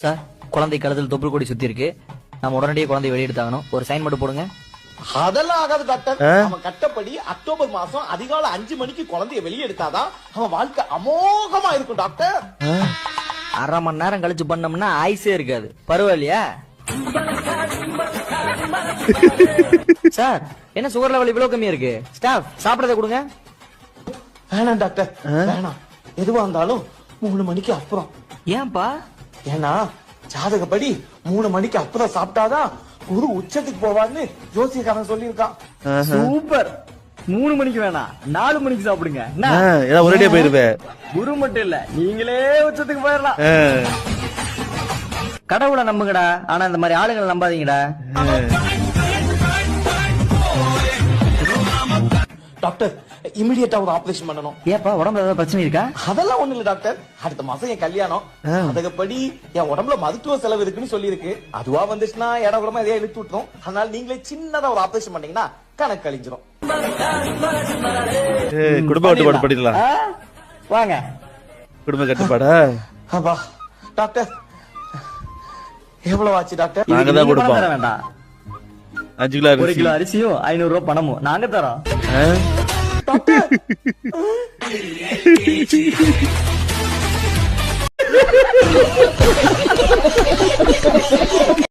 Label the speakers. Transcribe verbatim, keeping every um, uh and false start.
Speaker 1: Sir, குழந்தை கழுத்தில் தொப்புள் கொடி சுத்தி இருக்கு. நம்ம உடனடியே குழந்தை வெளியெடுத்தாகணும். ஒரு சைன் மட்டும் போடுங்க.
Speaker 2: அதெல்லாம் ஆகாது டாக்டர். அவன் கட்டப்படி அக்டோபர் மாசம் அதிகாலை அஞ்சு மணிக்கு குழந்தைய வெளியே எடுத்தாதான் அவன் வாழ்க்கை அமோகமா இருக்கும் டாக்டர்.
Speaker 1: அரை மணி நேரம் கழிச்சு பண்ணோம்னா ஆயுசே இருக்காது. பரவாயில்லையா சார்? என்ன சுகர் லெவல் இவ்வளவு கம்மியா இருக்கு? ஸ்டாஃப் சாப்பிடறத கொடுங்க.
Speaker 2: வேணாம் டாக்டர், வேணாம். எதுவா இருந்தாலும் மூணு மணிக்கு அப்புறம்.
Speaker 1: ஏன்பா?
Speaker 2: ஏன்னா ஜாதகப்படி மூணு மணிக்கு அப்புறம் சாப்பிட்டாதான் குரு உச்சத்துக்கு போவான்னு ஜோசியக்காரன் சொல்லியிருக்கான்.
Speaker 1: சூப்பர். மூணு மணிக்கு வேணாம், நாலு மணிக்கு சாப்பிடுங்க.
Speaker 3: ஒரே போயிருவேன்.
Speaker 1: குரு மட்டும் இல்ல, நீங்களே உச்சத்துக்கு போயிடலாம். கடவுளை நம்புங்கடா, ஆனா இந்த மாதிரி ஆளுங்களை நம்பாதீங்கடா.
Speaker 2: டாக்டர், இமிடியேட்டா ஒரு ஆபரேஷன் பண்ணணும்.
Speaker 1: ஏப்பா, உடம்புல ஏதாவது பிரச்சனை இருக்கா?
Speaker 2: அதெல்லாம் ஒண்ணு இல்ல டாக்டர். அடுத்த மாசம் என் கல்யாணம். அதுக்கப்படி என் உடம்புல மருத்துவ செலவு இருக்குன்னு சொல்லி இருக்கு. அதுவா வந்துச்சுன்னா இட கூடமா எதையா இழுத்து விட்டுரும். அதனால நீங்களே சின்னதா ஒரு ஆபரேஷன் பண்ணீங்கன்னா கணக்கு கழிஞ்சிரும்.
Speaker 3: குடும்ப கட்டுப்பாடு பண்ணிடலாம்.
Speaker 1: வாங்க.
Speaker 3: குடும்ப கட்டுப்பாடா?
Speaker 2: அப்பா டாக்டர், எவ்வளவு ஆச்சு டாக்டர்?
Speaker 3: நாங்க தான் கொடுப்போம்.
Speaker 1: வேண்டாம்,
Speaker 3: அஞ்சு கிலோ
Speaker 1: ஒரு கிலோ அரிசியும் ஐநூறு ரூபாய் பணமும் நாங்க தரோம்.
Speaker 2: டாக்டர்